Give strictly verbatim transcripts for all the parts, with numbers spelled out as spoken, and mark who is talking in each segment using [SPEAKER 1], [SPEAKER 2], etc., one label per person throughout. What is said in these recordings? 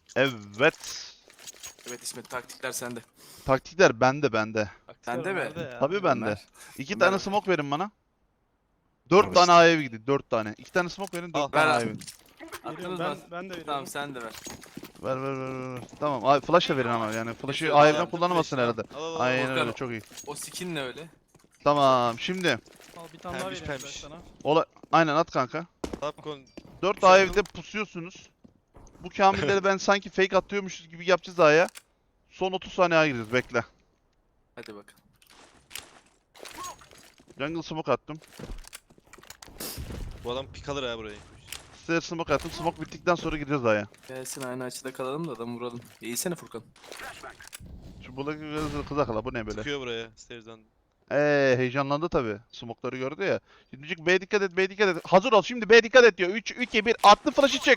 [SPEAKER 1] Evet.
[SPEAKER 2] Evet İsmet, taktikler sende.
[SPEAKER 1] Taktikler bende bende.
[SPEAKER 2] Sende mi?
[SPEAKER 3] Nerede ya?
[SPEAKER 1] Tabii bende.
[SPEAKER 2] Ömer.
[SPEAKER 1] İki
[SPEAKER 2] Ömer
[SPEAKER 1] tane
[SPEAKER 2] ver.
[SPEAKER 1] smoke verin bana. Dört
[SPEAKER 2] Al
[SPEAKER 1] tane
[SPEAKER 2] işte.
[SPEAKER 1] A'ya gidin. Dört tane. İki tane smoke verin. Dört
[SPEAKER 4] Al.
[SPEAKER 1] tane
[SPEAKER 2] Ver
[SPEAKER 1] A'ya
[SPEAKER 2] abi.
[SPEAKER 1] gidin.
[SPEAKER 3] Veriyorum,
[SPEAKER 2] Attınız
[SPEAKER 3] ben,
[SPEAKER 2] mı?
[SPEAKER 3] ben de veriyorum.
[SPEAKER 2] Tamam sen de ver.
[SPEAKER 1] Ver ver ver ver. ver. Tamam. Ay, flash da verin ama yani. Flash'ı
[SPEAKER 2] Geçiyorum.
[SPEAKER 1] A'ya
[SPEAKER 2] Yaptım
[SPEAKER 1] kullanamazsın
[SPEAKER 4] flash'ı.
[SPEAKER 1] herhalde.
[SPEAKER 4] Al al al.
[SPEAKER 1] Aynen
[SPEAKER 2] Volkan.
[SPEAKER 1] öyle. Çok iyi.
[SPEAKER 2] O skin ne öyle?
[SPEAKER 1] Tamam. Şimdi.
[SPEAKER 3] Al bir tane daha
[SPEAKER 4] Pembiş,
[SPEAKER 3] vereyim
[SPEAKER 4] pembiş.
[SPEAKER 3] sana.
[SPEAKER 1] Ola Aynen at kanka.
[SPEAKER 4] Tapkon.
[SPEAKER 1] Dört
[SPEAKER 4] Güzel
[SPEAKER 1] A
[SPEAKER 4] yıl.
[SPEAKER 1] evde pusuyorsunuz. Bu kamilleri ben sanki fake atıyormuşuz gibi yapacağız A'ya. Son otuz saniye gireceğiz. Bekle.
[SPEAKER 2] Hadi bakalım.
[SPEAKER 1] Jungle smoke attım.
[SPEAKER 4] Bu adam pik alır ha burayı.
[SPEAKER 1] Stair smoke attım. Smoke bittikten sonra gireceğiz A'ya.
[SPEAKER 2] Gelsin aynı açıda kalalım da adamı vuralım. İyisene Furkan.
[SPEAKER 1] Şu buradaki kız- kız akıla bu ne böyle?
[SPEAKER 4] Çıkıyor buraya. Stairs'dan.
[SPEAKER 1] Eee heyecanlandı tabi. Smoke'ları gördü ya. Şimdi diyecek B dikkat et, B dikkat et. Hazır ol şimdi B dikkat et diyor. üç, iki, bir. Attı flash'ı çek.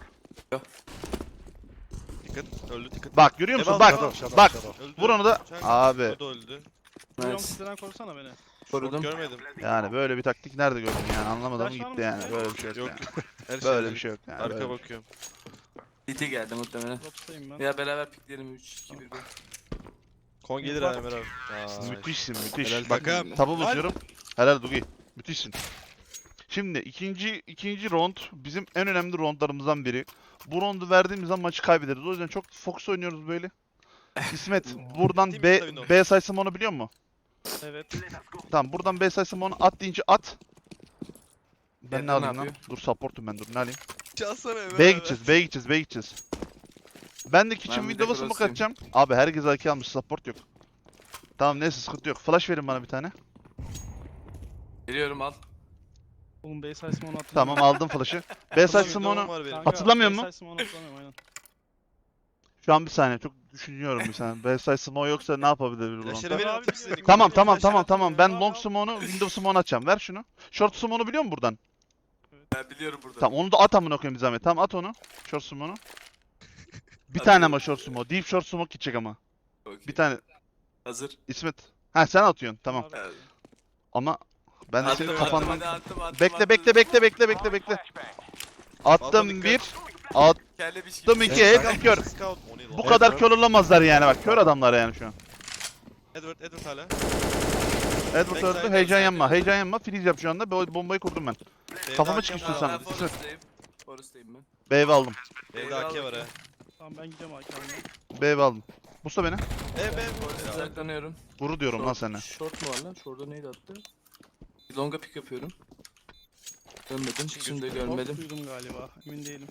[SPEAKER 4] Dikkat. Öldü dikkat.
[SPEAKER 1] Bak görüyor musun?
[SPEAKER 4] Devam,
[SPEAKER 1] Bak.
[SPEAKER 4] devam.
[SPEAKER 1] Bak.
[SPEAKER 4] Öldü.
[SPEAKER 1] Vur onu da.
[SPEAKER 4] Çak.
[SPEAKER 1] Abi.
[SPEAKER 4] O da öldü.
[SPEAKER 3] Vuruyorum,
[SPEAKER 2] Nice.
[SPEAKER 3] sizden korusana beni.
[SPEAKER 2] Korudum.
[SPEAKER 4] Görmedim.
[SPEAKER 1] Yani böyle bir taktik nerede gördün yani anlamadım
[SPEAKER 3] Flash var
[SPEAKER 1] gitti
[SPEAKER 3] mı
[SPEAKER 1] yani.
[SPEAKER 3] sizde?
[SPEAKER 1] Böyle bir şey yok,
[SPEAKER 4] Yok.
[SPEAKER 1] yani.
[SPEAKER 4] Her şey
[SPEAKER 1] Böyle
[SPEAKER 4] öldü.
[SPEAKER 1] bir şey yok yani.
[SPEAKER 4] Arka
[SPEAKER 1] böyle bir şey.
[SPEAKER 4] bakıyorum.
[SPEAKER 2] C T geldi muhtemelen.
[SPEAKER 3] Drop'tayım ben.
[SPEAKER 2] Ya beraber pikleyelim üç iki bir.
[SPEAKER 4] Kon gelir ha Ömer abi. Aa,
[SPEAKER 1] Müthişsin müthiş.
[SPEAKER 4] Helal
[SPEAKER 1] Bak
[SPEAKER 4] takım.
[SPEAKER 1] tabu
[SPEAKER 4] Helal.
[SPEAKER 1] basıyorum. Helal Dugi. Müthişsin. Şimdi ikinci ikinci round bizim en önemli roundlarımızdan biri. Bu roundu verdiğimiz zaman maçı kaybederiz. O yüzden çok fokus oynuyoruz böyle. İsmet buradan
[SPEAKER 4] Değil mi
[SPEAKER 1] B,
[SPEAKER 4] Savino?
[SPEAKER 1] B sayısım onu biliyor musun?
[SPEAKER 3] Evet.
[SPEAKER 1] Tamam buradan B sayısım onu at deyince at. Ben
[SPEAKER 2] Evren
[SPEAKER 1] ne alayım
[SPEAKER 2] ne
[SPEAKER 1] lan?
[SPEAKER 2] yapıyor?
[SPEAKER 1] Dur supportum ben dur ne alayım?
[SPEAKER 4] Çalsana Ömer
[SPEAKER 1] B'ye
[SPEAKER 4] abi.
[SPEAKER 1] gideceğiz B'ye gideceğiz B'ye gideceğiz. Ben de kitchen
[SPEAKER 2] Ben bir de
[SPEAKER 1] window'a smoke
[SPEAKER 2] cross'uyum.
[SPEAKER 1] atacağım. Abi herkes A K almış support yok. Tamam neyse sıkıntı yok. Flash verin bana bir tane.
[SPEAKER 2] Geliyorum al.
[SPEAKER 3] Oğlum B size'ımı onu hatırlamıyorum.
[SPEAKER 1] Tamam aldım flash'ı. B sayısım
[SPEAKER 4] Window'um
[SPEAKER 1] onu
[SPEAKER 4] var benim.
[SPEAKER 3] Kanka,
[SPEAKER 1] Hatırlamıyor
[SPEAKER 3] B
[SPEAKER 1] musun?
[SPEAKER 3] size'ımı onu hatırlamıyorum aynen.
[SPEAKER 1] şu an bir saniye çok düşünüyorum bir saniye. B sayısım o yoksa ne yapabilir bu
[SPEAKER 4] Flash'ları
[SPEAKER 1] roundda?
[SPEAKER 4] verin
[SPEAKER 3] Abi,
[SPEAKER 4] atayım size.
[SPEAKER 3] biliyorum.
[SPEAKER 1] Tamam
[SPEAKER 3] Bir
[SPEAKER 1] tamam
[SPEAKER 3] flash
[SPEAKER 1] tamam
[SPEAKER 3] atayım
[SPEAKER 1] tamam.
[SPEAKER 3] ya.
[SPEAKER 1] Ben
[SPEAKER 3] Al,
[SPEAKER 1] long
[SPEAKER 3] al.
[SPEAKER 1] smoke'unu window smoke'unu açacağım. Ver şunu. Short smoke'unu biliyor musun buradan?
[SPEAKER 2] Ben biliyorum burada.
[SPEAKER 1] Tamam onu da at amına koyayım bir zahmet. Tamam at onu. Short smoke'unu. Bir tane ama short smoke. Deep short smoke gidecek ama.
[SPEAKER 2] Okey.
[SPEAKER 1] Bir tane.
[SPEAKER 2] Hazır.
[SPEAKER 1] İsmet. Ha sen atıyorsun tamam.
[SPEAKER 3] Abi,
[SPEAKER 2] Evet.
[SPEAKER 1] Ama ben de
[SPEAKER 2] Attım,
[SPEAKER 1] senin
[SPEAKER 2] attım,
[SPEAKER 1] kafandan...
[SPEAKER 2] hadi attım, attım,
[SPEAKER 1] Bekle
[SPEAKER 2] attım.
[SPEAKER 1] bekle bekle bekle bekle bekle. Attım
[SPEAKER 4] dikkat.
[SPEAKER 1] bir. Attım
[SPEAKER 2] Kelle bir şey.
[SPEAKER 1] iki. Hep kör.
[SPEAKER 4] Scout. O ne lan?
[SPEAKER 1] Bu kadar kör olamazlar yani bak. Kör adamlar yani şu an.
[SPEAKER 4] Edward, Edward hala.
[SPEAKER 1] Edward öldü.
[SPEAKER 4] Backside,
[SPEAKER 1] Heyecan
[SPEAKER 4] backside.
[SPEAKER 1] yanma. Heyecan yanma. Freeze yap şu anda. Bo- Bombayı kurdum ben.
[SPEAKER 4] Evde
[SPEAKER 1] Kafama
[SPEAKER 4] A K
[SPEAKER 1] çıkmıştın
[SPEAKER 4] var.
[SPEAKER 1] sana.
[SPEAKER 2] Ben Forest'tayım. Forest'tayım ben.
[SPEAKER 1] B ev aldım.
[SPEAKER 4] Evde A K var ha.
[SPEAKER 3] Tamam ben gidiyorum arkamda.
[SPEAKER 1] B ev aldım. Musta beni.
[SPEAKER 4] E be
[SPEAKER 2] Forest'e
[SPEAKER 4] bu.
[SPEAKER 2] saklanıyorum.
[SPEAKER 1] Vuru diyorum lan
[SPEAKER 2] Short-
[SPEAKER 1] sana.
[SPEAKER 2] Short mu var lan? Short'da neydi attı? Bir longa pick yapıyorum. Dönmedim. Şimdi de
[SPEAKER 3] Top
[SPEAKER 2] görmedim.
[SPEAKER 3] duydum galiba. Emin değilim.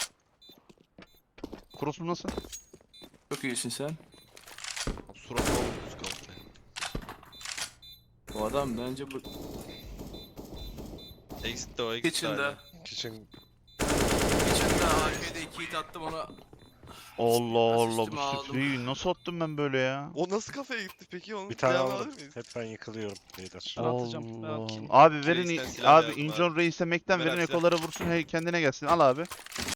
[SPEAKER 1] Cross'um nasıl?
[SPEAKER 2] Çok iyisin sen.
[SPEAKER 4] Suratına vurdu Scout'la.
[SPEAKER 2] O adam bence bu
[SPEAKER 4] Exit de o exit de
[SPEAKER 2] kitchen'da.
[SPEAKER 4] hala.
[SPEAKER 5] Kitchen
[SPEAKER 2] Kitchen'da A K'de iki hit attım ona.
[SPEAKER 1] Allah Allah
[SPEAKER 2] Asistimi
[SPEAKER 1] bu
[SPEAKER 2] aldım.
[SPEAKER 1] spreyi nasıl attım ben böyle ya?
[SPEAKER 4] O nasıl kafaya gitti peki onu?
[SPEAKER 5] bir tane
[SPEAKER 4] devamlı
[SPEAKER 5] aldım.
[SPEAKER 4] alır mıyız?
[SPEAKER 5] Hep ben yıkılıyorum beyler.
[SPEAKER 3] Ben atacağım, ben
[SPEAKER 1] Allah.
[SPEAKER 3] atayım.
[SPEAKER 1] Abi verin
[SPEAKER 4] Reis'ten silah
[SPEAKER 1] abi
[SPEAKER 4] lazım
[SPEAKER 1] Injon Reis'e Mac'ten
[SPEAKER 4] Ömer
[SPEAKER 1] verin
[SPEAKER 4] abi silah.
[SPEAKER 1] ekolara vursun hey kendine gelsin. Al abi.